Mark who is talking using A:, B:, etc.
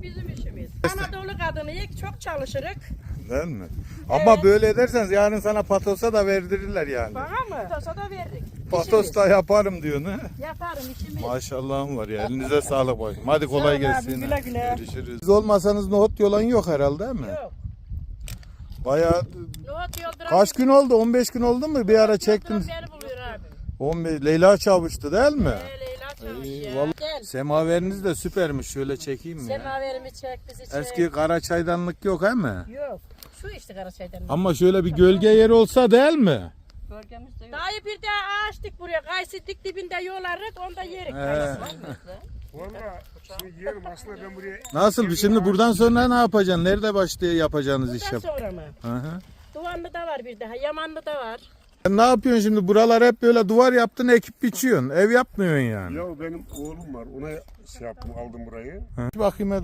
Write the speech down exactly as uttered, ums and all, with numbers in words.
A: bizim işimiz. Anadolu kadınıyız, çok çalışırız.
B: Değil mi? Ama
A: Evet.
B: böyle ederseniz yarın sana patosa da verdirirler yani.
A: Bana mı? Patosa da verdik.
B: Patos da yaparım diyorsun ha.
A: Yaparım işimiz.
B: Maşallahım var ya. Elinize sağlık bakayım. Hadi kolay
A: Sağ ol abi,
B: gelsin.
A: güle güle.
B: Görüşürüz. Siz olmasanız nohut yolan yok herhalde değil mi?
A: Yok.
B: Bayağı
A: Nohut yolduran.
B: kaç gün oldu? on beş gün oldu mu? Bir ara çektim.
A: Beni buluyor abi.
B: on beş Leyla Çavuş'tu değil mi?
A: Ee, Leyla Çavuş
B: İyi,
A: ya.
B: vallahi-
A: Gel.
B: Semaveriniz de süpermiş. Şöyle çekeyim mi ya?
A: Semaverimi çek, bizi çek.
B: Eski kara çaydanlık yok he mi?
A: Yok. Şu işte Karaçay'dan.
B: Ama şöyle bir gölge yeri olsa değil mi?
A: Bölgemizde yok. Dayı bir de ağaç dik buraya. Kayısı dik dibinde yolarız, onda yerik.
B: He.
C: Valla şimdi yerim aslında ben buraya...
B: Nasıl? Şimdi buradan sonra ne yapacaksın? Nerede başlıyor yapacağınız iş
A: Bundan
B: yap?
A: sonra mı?
B: Hı hı.
A: Duvanlı da var bir daha, Yamanlı da var.
B: Sen ne yapıyorsun şimdi? Buralar hep böyle duvar yaptın, ekip biçiyorsun. Ev yapmıyorsun yani.
C: Ya benim oğlum var ona şey yaptım aldım burayı.
B: Hı. Bakayım hadi.